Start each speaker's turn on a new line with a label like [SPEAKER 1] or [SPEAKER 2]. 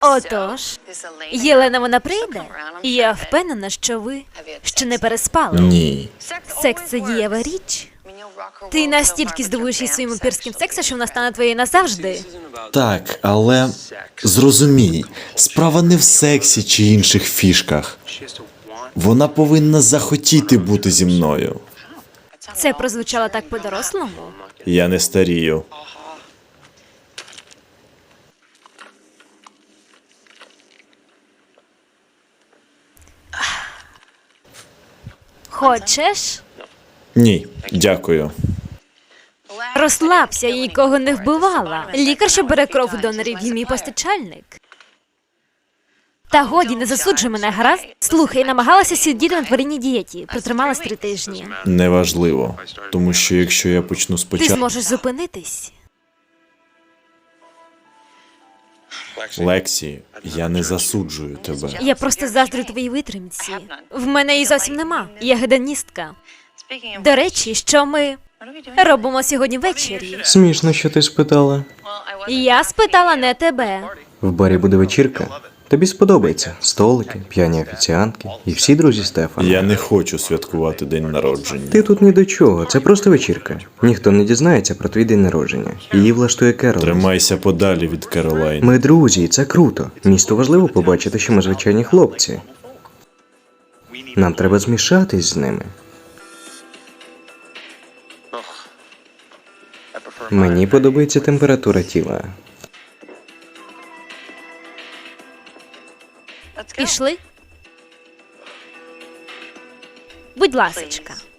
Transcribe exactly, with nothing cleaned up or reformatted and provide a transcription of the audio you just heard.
[SPEAKER 1] Отож, Єлена вона прийде, і я впевнена, що ви ще не переспали.
[SPEAKER 2] Ні.
[SPEAKER 1] Секс – це дієва річ. Ти настільки здивуєш її своїм упірським сексом, що вона стане твоєю назавжди.
[SPEAKER 2] Так, але зрозумій, справа не в сексі чи інших фішках. Вона повинна захотіти бути зі мною.
[SPEAKER 1] Це прозвучало так по-дорослому.
[SPEAKER 2] Я не старію.
[SPEAKER 1] Хочеш?
[SPEAKER 2] Ні, дякую.
[SPEAKER 1] Розслабся, я нікого не вбивала. Лікар, що бере кров у донорів, і мій постачальник. Та годі, не засуджуй мене, гаразд? Слухай, намагалася сидіти на тваринній дієті. Протрималась три тижні.
[SPEAKER 2] Неважливо, тому що якщо я почну
[SPEAKER 1] Ти
[SPEAKER 2] спочатку...
[SPEAKER 1] зможеш зупинитись.
[SPEAKER 2] Лексі, я не засуджую тебе.
[SPEAKER 1] Я просто заздрю твоїй витримці. В мене її зовсім нема. Я гедоністка. До речі, що ми робимо сьогодні ввечері?
[SPEAKER 3] Смішно, що ти спитала.
[SPEAKER 1] Я спитала не тебе.
[SPEAKER 3] В барі буде вечірка. Тобі сподобається. Столики, п'яні офіціантки і всі друзі Стефана.
[SPEAKER 2] Я не хочу святкувати день народження.
[SPEAKER 3] Ти тут ні до чого, це просто вечірка. Ніхто не дізнається про твій день народження. Її влаштує Керол.
[SPEAKER 2] Тримайся подалі від Керолайн.
[SPEAKER 3] Ми друзі, і це круто. Місту важливо побачити, що ми звичайні хлопці. Нам треба змішатись з ними. Мені подобається температура тіла.
[SPEAKER 1] Пішли? Будь ласочка.